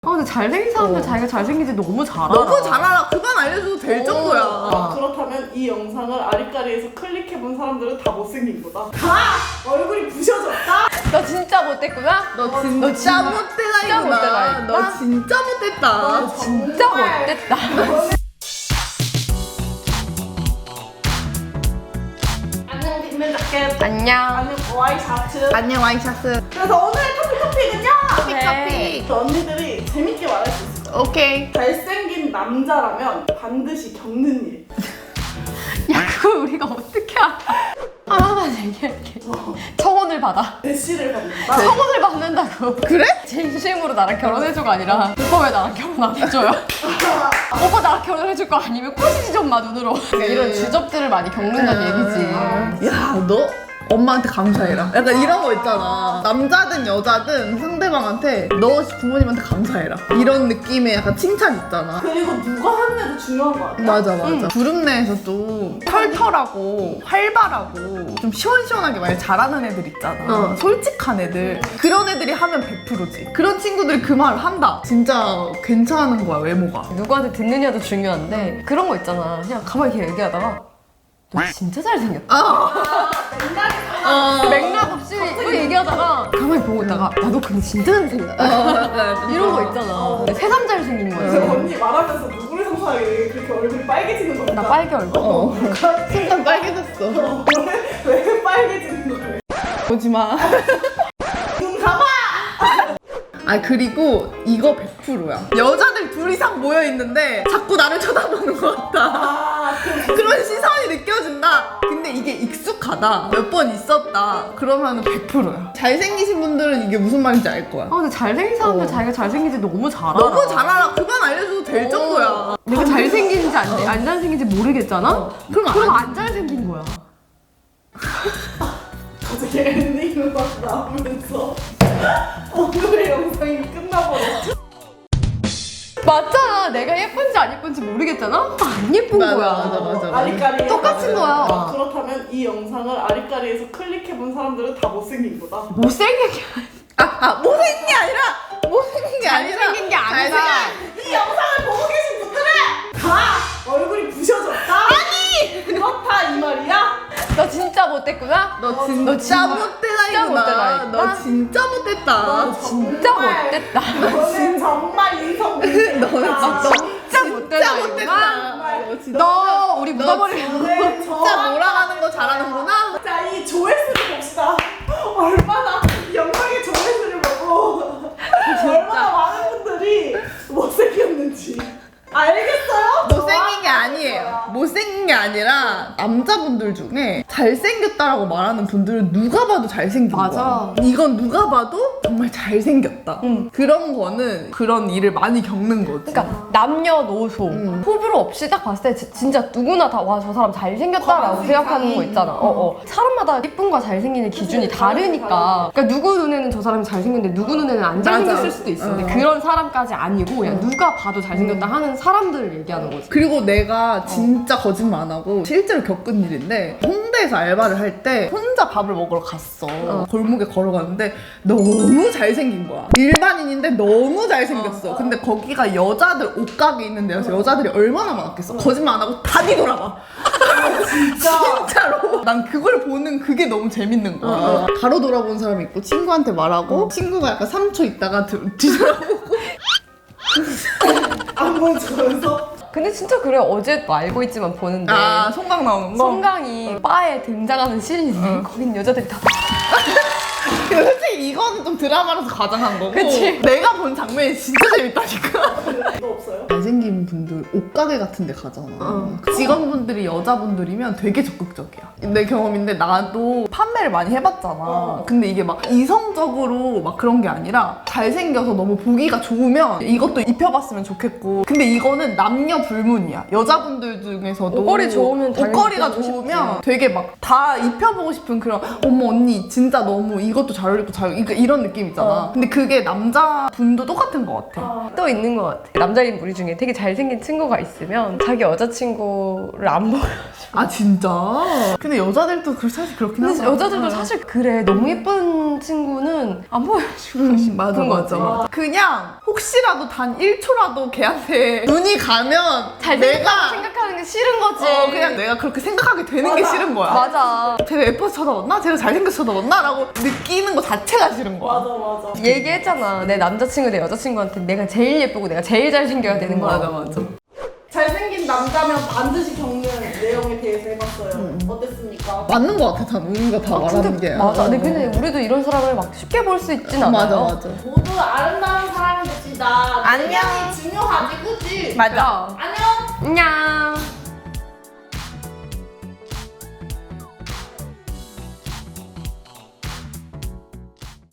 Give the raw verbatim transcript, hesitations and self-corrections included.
아 근데 잘생긴 사람들 어. 자기가 잘생긴지 너무 잘 알아. 너무 잘 알아. 그만 알려줘도 될 어. 정도야. 아. 그렇다면 이 영상을 아리까리에서 클릭해본 사람들은 다 못생긴 거다. 다 얼굴이 부셔졌다. 너 진짜 못됐구나? 너 너 진짜 진짜 못되다 못되다, 이구나. 이구나. 너 진짜 못됐다. 너 진짜 정말. 못됐다. 안녕 빅맨 자켓. 안녕. 안녕 와이셔츠. 안녕 와이셔츠. 그래서 오늘의 토픽 토픽은요. 토픽 네. 토픽. 언니들이 재밌게 말할 수 있을 거야. 오케이. 잘생긴 남자라면 반드시 겪는 일. 야 그걸 우리가 어떻게 알아? 하나만 얘기할게. 청혼을 받아. 대시를 받는다. 청혼을 받는다고. 그래? 진심으로 나랑 결혼해줘가 아니라 오빠 왜 나랑 결혼 안 해줘요? 오빠 나랑 결혼해줄 거 아니면 꼬시지 좀 마 눈으로. 이런 주접들을 많이 겪는다는 얘기지. 야, 너 엄마한테 감사해라. 약간 이런 거 있잖아. 남자든 여자든 상대방한테 너 부모님한테 감사해라. 이런 느낌의 약간 칭찬 있잖아. 그리고 누가 하느냐도 중요한 거 같아. 맞아 맞아. 그룹 내에서도 털털하고 활발하고 좀 시원시원하게 말 잘하는 애들 있잖아. 어. 솔직한 애들. 그런 애들이 하면 백 퍼센트지. 그런 친구들이 그 말을 한다. 진짜 괜찮은 거야 외모가. 누구한테 듣느냐도 중요한데 그런 거 있잖아. 그냥 가만히 이렇게 얘기하다가 너 진짜 잘생겼다. 어. 맥락 없이 뭐 얘기하다가 가만히 보고 있다가 야 너 근데 진짜 잘생겼다. 이런 거 있잖아. 새삼 잘생긴 그래서 거야. 언니 말하면서 누구를 상상하게 그렇게 얼굴이 빨개지는 거 같아. 나 빨개 얼굴. 어. 순간 빨개졌어. 왜, 왜 빨개지는 거예요? 오지마. 눈 감아! 아 그리고 이거 백 퍼센트야. 여자들 둘 이상 모여 있는데 자꾸 나를 쳐다보는 것 같다. 아, 그 그런 시선이 느껴진다. 근데 이게 익숙하다. 몇 번 있었다. 그러면 백 퍼센트야. 잘생기신 분들은 이게 무슨 말인지 알 거야. 아 근데 잘생긴 사람들 어. 자기가 잘생긴지 너무 잘 알아. 너무 잘 알아. 그만 알려줘도 될 정도야. 내가 잘생긴지 안, 안 잘생긴지 모르겠잖아? 그럼 그럼 안- 안 잘생긴 거야. 갑자기 엔딩 막 나오면서 오늘의 영상이 끝나버렸죠. 맞잖아. 내가 예쁜지 안 예쁜지 모르겠잖아? 안 예쁜 맞아, 거야. 맞아, 맞아, 맞아. 아리까리 똑같은 거야. 아, 그렇다면 이 영상을 아리까리에서 클릭해본 사람들은 다 못생긴 거다. 못생긴 게 아, 아 못생긴 게 아니라 못생긴 게 아니라 잘생긴 게 아니라 잘생긴- 이 영상을 보고 계신 분들은 다 얼굴이 부셔졌다. 아니 그렇다 이 말이야. 너 진짜 못됐구나? 너 진짜, 너 진짜 못되다 진짜 이구나. 못되다, 이구나. 너 진짜 못됐다. 너 진짜 못됐다. 너는 정말 인성 문제다. 진짜 못되다 진짜 이구나. 못됐다. 너 진짜 너 우리 묻어버려. 너는 진짜 몰아가는 거 잘하는구나. 자, 이 조회수를 봅시다. 얼마나 이 영상의 조회수를 보고 얼마나 많은 분들이 못생겼는지 알겠어요? 못생긴 게 아니에요. 못생긴 게 아니라 남자분들 중에 잘생겼다라고 말하는 분들은 누가 봐도 잘생긴 맞아. 거야. 이건 누가 봐도 정말 잘생겼다. 응. 그런 거는 그런 일을 많이 겪는 거지. 그러니까 남녀노소 음. 호불호 없이 딱 봤을 때 지- 진짜 누구나 다 와 저 사람 잘생겼다라고 검은 생각하는 거 세상이. 있잖아. 어, 어. 사람마다 예쁨과 잘생기는 기준이 그치, 다르니까. 그러니까 누구 눈에는 저 사람이 잘생겼는데 누구 눈에는 안 잘생겼을 맞아. 수도 있어. 근데 어. 그런 사람까지 아니고 그냥 누가 봐도 잘생겼다 하는 사람들을 얘기하는 거지. 그리고 내가 진짜 거짓말 안 하고 실제로 겪은 일인데 홍대에서 알바를 할 때 혼자 밥을 먹으러 갔어. 골목에 걸어가는데 너무 잘생긴 거야. 일반인인데 너무 잘생겼어. 근데 거기가 여자들 옷가게 있는 데여서 여자들이 얼마나 많았겠어. 거짓말 안 하고 다 뒤돌아봐. 진짜 진짜로. 난 그걸 보는 그게 너무 재밌는 거야. 바로 돌아본 사람이 있고 친구한테 말하고 친구가 약간 삼 초 있다가 뒤- 뒤돌아보고 안 보여주면서 근데 진짜 그래. 어제도 알고 있지만 보는데 아 송강 나오는 거? 송강이 바에 등장하는 씬인데 거긴 여자들이 다 근데 솔직히 이거는 좀 드라마라서 과장한 거고 그치? 내가 본 장면이 진짜 재밌다니까. 너 없어요? 잘생긴 분들 옷가게 같은 데 가잖아. 어. 직원분들이 여자분들이면 되게 적극적이야. 내 경험인데 나도 판매를 많이 해봤잖아. 어. 근데 이게 막 이성적으로 막 그런 게 아니라 잘생겨서 너무 보기가 좋으면 이것도 입혀봤으면 좋겠고 근데 이거는 남녀 불문이야. 여자분들 중에서도 옷걸이 좋으면 당연히 옷걸이가 입혀보고 좋으면 싶지. 되게 막 다 입혀보고 싶은 그런 어머 언니 진짜 너무 이것도 잘 어울리고 잘 그러니까 이런 느낌 있잖아. 어. 근데 그게 남자분도 똑같은 것 같아. 또 있는 것 같아. 남자인 무리 중에 되게 잘생긴 친구가 있으면 자기 여자친구를 안 보여. 아 진짜? 근데 여자들도 그 사실 그렇긴 근데 하잖아. 여자들도 사실 그래. 너무 예쁜 친구는 안 보여주고 음, 맞아 그런 맞아 거지. 맞아. 그냥 혹시라도 단 일 초라도 걔한테 눈이 가면 잘생겼다고 내가 생각하는 게 싫은 거지. 어, 그냥 내가 그렇게 생각하게 되는 게 싫은 거야. 맞아. 쟤가 예뻐서 쳐다봤나? 쟤가 잘생겨서 쳐다봤나? 라고 느끼는 거 자체가 싫은 거야. 맞아 맞아. 얘기했잖아. 내 남자친구, 내 여자친구한테 내가 제일 예쁘고 내가 제일 잘생겨야 되는 거야. 맞아 맞아. 잘생긴 남자면 반드시 겪는 내용에 대해서 해봤어요. 어땠습니까? 맞는 거 같아. 다 우리가 다 말하는 게. 맞아. 어. 근데 근데 우리도 이런 사람을 막 쉽게 볼 수 있진 않아요. 맞아 맞아. 모두 아름다운 사람이 됩시다. 안녕. 안녕이 중요하지, 그치? 맞아. 안녕. 안녕.